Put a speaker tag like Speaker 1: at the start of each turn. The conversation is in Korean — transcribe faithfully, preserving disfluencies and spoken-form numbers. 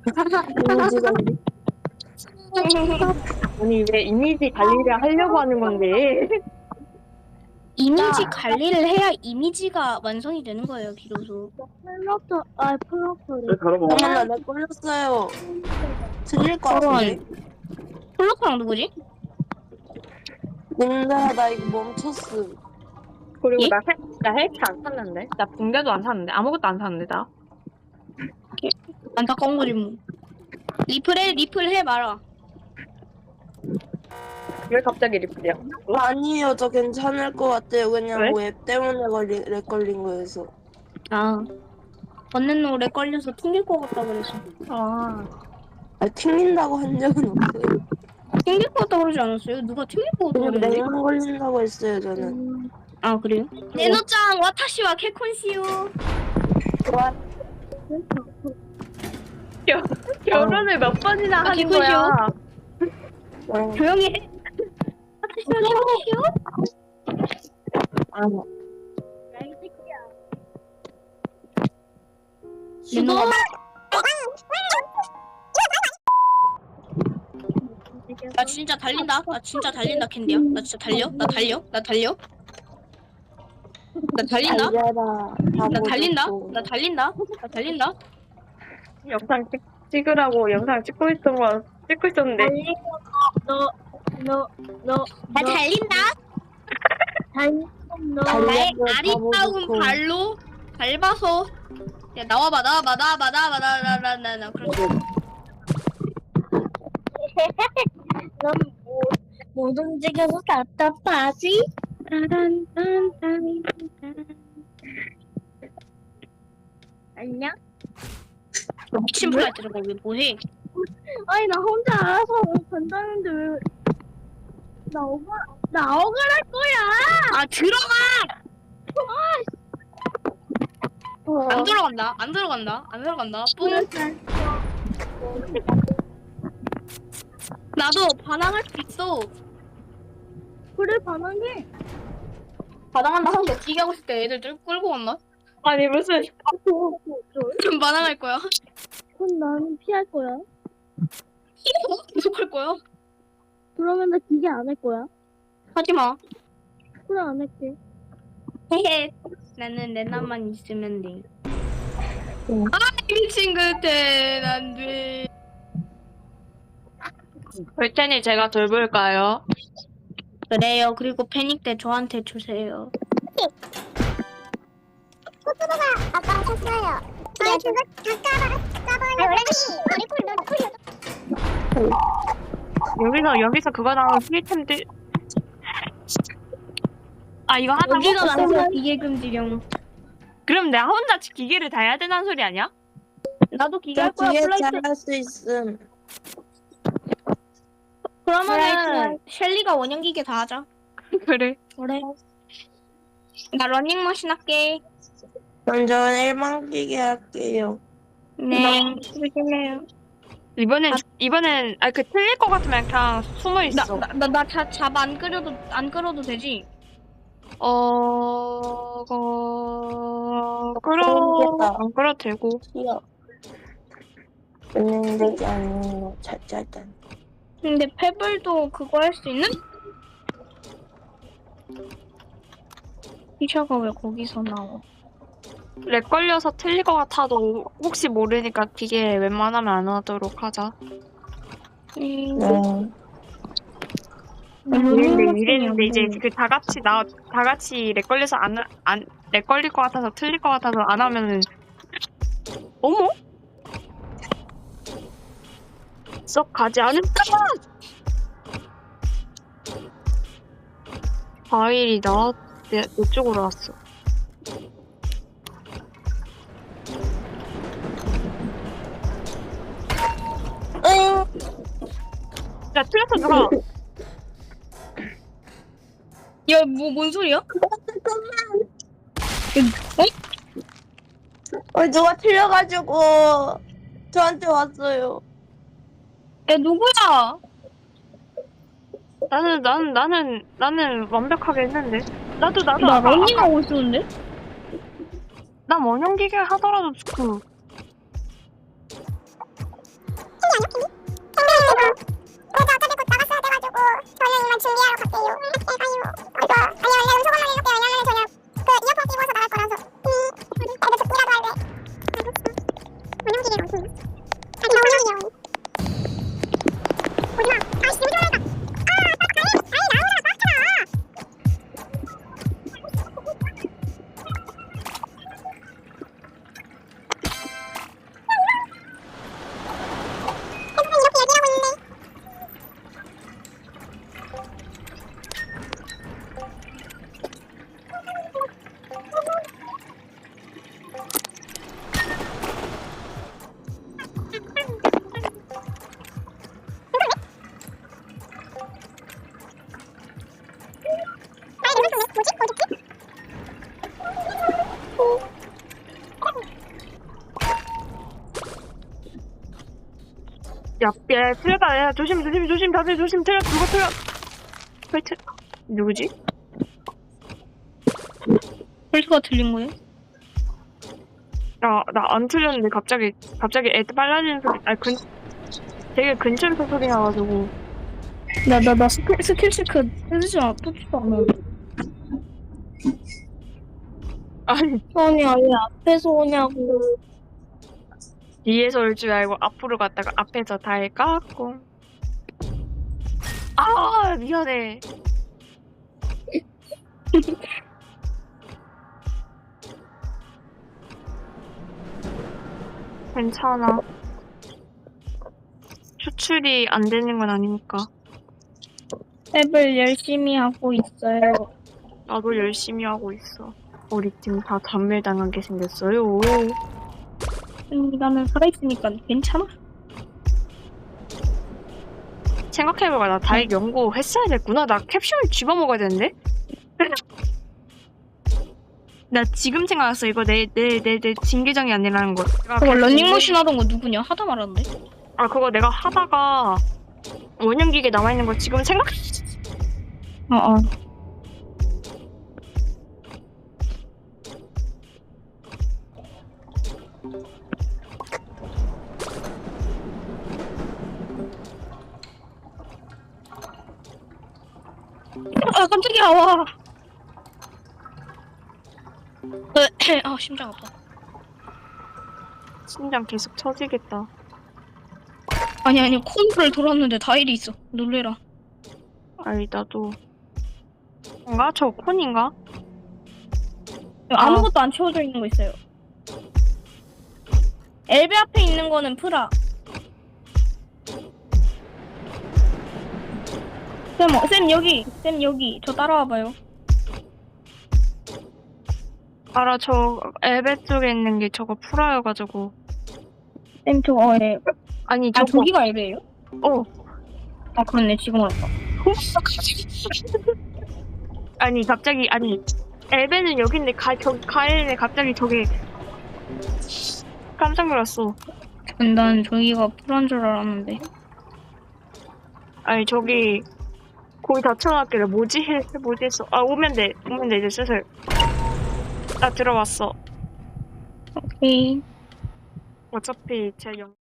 Speaker 1: 이미지 관리.
Speaker 2: 아니 왜 이미지 관리를 하려고 하는 건데?
Speaker 3: 이미지
Speaker 1: 야.
Speaker 3: 관리를 해야 이미지가 완성이 되는 거예요, 비로소.
Speaker 4: 플러터, 아, 플러터를.
Speaker 2: 왜 저러고?
Speaker 1: 어머나 내 걸렸어요. 들릴 것 같은데.
Speaker 3: 폴로크랑 누구지?
Speaker 1: 님들 나 이거 멈췄어.
Speaker 2: 그리고
Speaker 3: 예?
Speaker 2: 나 헬, 나 헬스 안 샀는데? 나 붕대도 안 샀는데? 아무것도 안 샀는데 나?
Speaker 3: 안타까운 거지 뭐. 리플해, 리플해 말아.
Speaker 2: 왜 갑자기 리플이야?
Speaker 1: 아니요, 저 괜찮을 것 같아요. 그냥
Speaker 2: 왜?
Speaker 1: 웹 때문에 걸리, 렉 걸린 거여서.
Speaker 3: 아. 번는 오래 걸려서 튕길 것 같다 그래서.
Speaker 2: 아,
Speaker 1: 아, 튕긴다고 한 적은 없어요.
Speaker 3: 튕길 것 같다 그러지 않았어요? 누가 튕길 것 같다
Speaker 1: 그냥
Speaker 3: 그랬는데?
Speaker 1: 렉만 걸린다고 했어요, 저는.
Speaker 3: 아 그래요? 네노짱 와타시와 케콘시요.
Speaker 2: 겨, 결혼을 몇 번이나
Speaker 3: 아,
Speaker 2: 하는
Speaker 3: 기분이요?
Speaker 2: 거야?
Speaker 1: 어,
Speaker 3: 조용히 해. 와타시와 케콘시요?
Speaker 1: 아,
Speaker 3: 네노. 나 진짜 달린다. 나 진짜 달린다 캔디야. 나 진짜 달려. 나 달려. 나 달려. 나 달린다.
Speaker 1: 달려라.
Speaker 3: 나
Speaker 1: 바보
Speaker 3: 달린다.
Speaker 1: 좋고.
Speaker 3: 나 달린다. 나 달린다.
Speaker 2: 영상 찍, 찍으라고 영상 찍고 있던 거 찍고 있었는데
Speaker 4: 너, 너, 너,
Speaker 3: 나 달린다.
Speaker 4: 달, 너.
Speaker 1: 달려.
Speaker 3: 나의
Speaker 1: 바보
Speaker 3: 아리따운
Speaker 1: 좋고.
Speaker 3: 발로 밟아서 야 나와봐 나와봐 나와봐 나와봐 나나나나 그렇지.
Speaker 4: 넌 뭐, 못 움직여서 답답하지? 안녕?
Speaker 3: 미친 플라이트가 왜 뭐해?
Speaker 4: 아니, 나 혼자 알아서 간다는데 왜. 나 억울, 나 억울할 거야!
Speaker 3: 아 들어가.
Speaker 4: 어.
Speaker 3: 안 들어간다. 안 들어간다. 안 들어간다. 뿡. 나도 반항할 수 있어.
Speaker 4: 그래, 반항해.
Speaker 3: 반항한다 하고 웃기게 하고 있을 때 애들 들 끌고 왔나?
Speaker 2: 아니 무슨
Speaker 3: 그럼 반항할 거야.
Speaker 4: 그럼 나는 피할 거야.
Speaker 3: 계속 할 거야.
Speaker 4: 그러면 나 기계 안 할 거야.
Speaker 3: 하지 마.
Speaker 4: 그래, 안 할게.
Speaker 3: 헤헤. 나는 레나만 있으면 돼. 아 미친 그때 난 돼.
Speaker 2: 볼 테니 제가 돌볼까요?
Speaker 3: 그래요. 그리고 패닉 때 저한테 주세요.
Speaker 5: 아빠가 샀어요. 아, 그거 잠깐만, 잠깐만.
Speaker 2: 여기서 여기서 그거 나오는 프리템들 아 이거 하나
Speaker 3: 여기가 나서 기계 금지령.
Speaker 2: 그럼 내가 혼자 기계를 다 해야 되는 소리 아니야?
Speaker 3: 나도 기계
Speaker 1: 저
Speaker 3: 할 거야.
Speaker 1: 뒤에
Speaker 3: 플라이트.
Speaker 1: 잘할 수 있음.
Speaker 3: 그러면은 셸리가 원형 기계 다 하자.
Speaker 2: 그래.
Speaker 3: 그래. 나 러닝머신 할게.
Speaker 1: 먼저 일만 끼게 할게요.
Speaker 3: 네. 조심해요.
Speaker 2: 이번엔 이번엔 아 그 틀릴 것 같으면 그냥 숨어 있어.
Speaker 3: 나나나잡안 끓여도 안 끓여도 되지.
Speaker 2: 어, 어, 끌어
Speaker 1: 모르겠다.
Speaker 2: 안 끌어도 되고.
Speaker 1: 튀어. 있는 게 아니고 잘잘단.
Speaker 3: 근데 페블도 그거 할 수 있는? 피셔가 왜 거기서 나와?
Speaker 2: 렉 걸려서 틀릴 것 같아도 혹시 모르니까 기계 웬만하면 안 하도록 하자.
Speaker 3: 음,
Speaker 1: 네.
Speaker 2: 이랬는데 이랬는데 이제 그 다 같이 나 다 같이 렉 걸려서 안안렉 걸릴 것 같아서 틀릴 것 같아서 안 하면은 어머 썩 가지 않을까? 과일이 나 내, 내 쪽으로 왔어.
Speaker 1: 응.
Speaker 2: 야 틀렸어 누가?
Speaker 3: 야, 뭐, 뭔 소리야?
Speaker 1: 어, 누가 틀려가지고 저한테 왔어요.
Speaker 3: 야, 누구야?
Speaker 2: 나는 나는 나는 나는 완벽하게 했는데 나도 나도
Speaker 3: 나
Speaker 2: 아까
Speaker 3: 러닝하고 있었는데?
Speaker 2: 난 원형 기계 하더라도 그
Speaker 5: 운영기계가 없음. 아, 나 운영기계야. 오지마. 아씨, 여기 들어가니까. 아, 빨리 가야 돼. 아이, 나오라, 빡쳐라. 핸드폰 이렇게 얘기하고 있는데. 아, 이거 무슨 뭐지? 어딨지?
Speaker 2: 야, 야, 틀렸다. 야, 조심, 조심, 조심, 다들 조심. 틀렸, 누가 틀렸? 왜 틀? 누구지?
Speaker 3: 폴트가 틀린 거예요?
Speaker 2: 나, 나 안 틀렸는데 갑자기, 갑자기 애들 빨라지는 소리, 아니, 근, 되게 근처에서 소리 나가지고.
Speaker 3: 나, 나, 나 스킬, 스킬 체크 해주지 마. 폴트가 안 나오네.
Speaker 2: 아니,
Speaker 3: 아니, 아니, 앞에서 오냐고.
Speaker 2: 뒤에서 올 줄 알고 앞으로 갔다가 앞에서 다 깎고. 아, 미안해. 괜찮아. 추출이 안 되는 건 아니니까.
Speaker 3: 앱을 열심히 하고 있어요.
Speaker 2: 나도 열심히 하고 있어. 우리 팀 다 단멸당하게 생겼어요.
Speaker 3: 나는 살아있으니까 괜찮아?
Speaker 2: 생각해보니까 나 다이렉 연구했어야 됐구나. 나 캡슐 집어먹어야 되는데? 나 지금 생각났어. 이거 내, 내, 내, 내 진계정이 아니라는 거. 내가
Speaker 3: 그거
Speaker 2: 그
Speaker 3: 런닝머신 하던 거 누구냐? 하다 말았는데?
Speaker 2: 아, 그거 내가 하다가 원형기계 남아있는 거 지금 생각,
Speaker 3: 어, 어. 아, 깜짝이야, 와. 으, 아, 심장 아파.
Speaker 2: 심장 계속 쳐지겠다.
Speaker 3: 아니, 아니, 콘솔을 돌았는데 다일이 있어. 놀래라.
Speaker 2: 아이, 나도. 뭔가? 저 콘인가?
Speaker 3: 아무것도 안 채워져 있는 거 있어요. 엘베 앞에 있는 거는 프라. 쌤, 어, 쌤 여기, 쌤 여기. 저 따라와봐요.
Speaker 2: 알아, 저 엘베 쪽에 있는 게 저거 풀어여가지고.
Speaker 3: 쌤, 저, 어, 예.
Speaker 2: 아니,
Speaker 3: 아,
Speaker 2: 저거.
Speaker 3: 저기가 엘베예요?
Speaker 2: 어.
Speaker 3: 아, 그렇네. 지금 알았다.
Speaker 2: 아니, 갑자기, 아니. 엘베는 여기인데, 가, 저, 가일에 갑자기 저게. 깜짝 놀랐어.
Speaker 3: 난 저기가 프라인 줄 알았는데.
Speaker 2: 아니, 저기. 거의 다 쳐놨길래, 뭐지? 해, 뭐지 했어. 아, 오면 돼. 오면 돼, 이제 슬슬. 나 들어왔어.
Speaker 3: 오케이.
Speaker 2: 어차피 제 영.